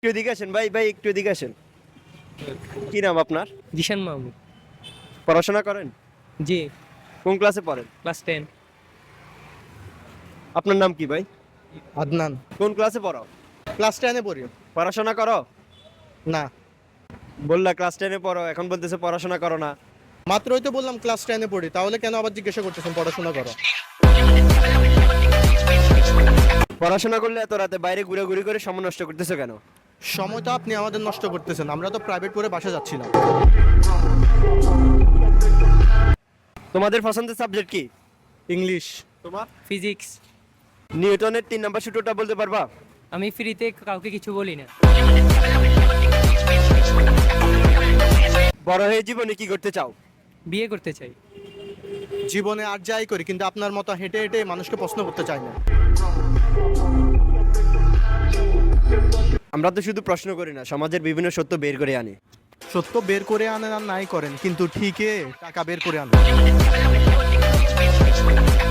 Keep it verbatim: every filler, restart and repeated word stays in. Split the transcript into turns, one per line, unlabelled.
একটু এদিকে আসেন ভাই, ভাই একটু এদিকে আসেন। কি নাম আপনার?
জিশান মাহমুদ।
পড়াশোনা করেন?
জি।
কোন ক্লাসে পড়েন?
Class ten.
আপনার নাম কি ভাই?
আদনান।
কোন ক্লাসে পড়ো?
ক্লাস টেনে পড়ি।
পড়াশোনা করো?
না,
বললা ক্লাস টেনে পড়ো, এখন বলতেছে পড়াশোনা করো না।
মাত্রই তো বললাম ক্লাস টেনে পড়ি, তাহলে কেন আবার জিজ্ঞাসা করতেছেন পড়াশোনা করো?
পড়াশোনা করলে এত রাতে বাইরে ঘুরে ঘুরে করে সময় নষ্ট করতেছো কেন?
সময় তো আপনি আমাদের নষ্ট করতেছেন, আমরা তো প্রাইভেট পড়ে বাসা যাচ্ছিলাম।
তোমাদের পছন্দের সাবজেক্ট কি?
ইংলিশ।
তোমার?
ফিজিক্স।
নিউটনের তিন নাম্বার সূত্রটা বলতে পারবা?
আমি ফ্রিতে কাউকে কিছু বলি না।
বড় হয়ে জীবনে কি করতে চাও?
বিয়ে করতে চাই।
জীবনে আর যাই করি, কিন্তু আপনার মতো হেঁটে হেঁটে মানুষকে প্রশ্ন করতে চাই না।
আমরা তো শুধু প্রশ্ন করি না, সমাজের বিভিন্ন সত্য বের করে আনি।
সত্য বের করে আনেন আর নাই করেন, কিন্তু ঠিকই টাকা বের করে আনেন।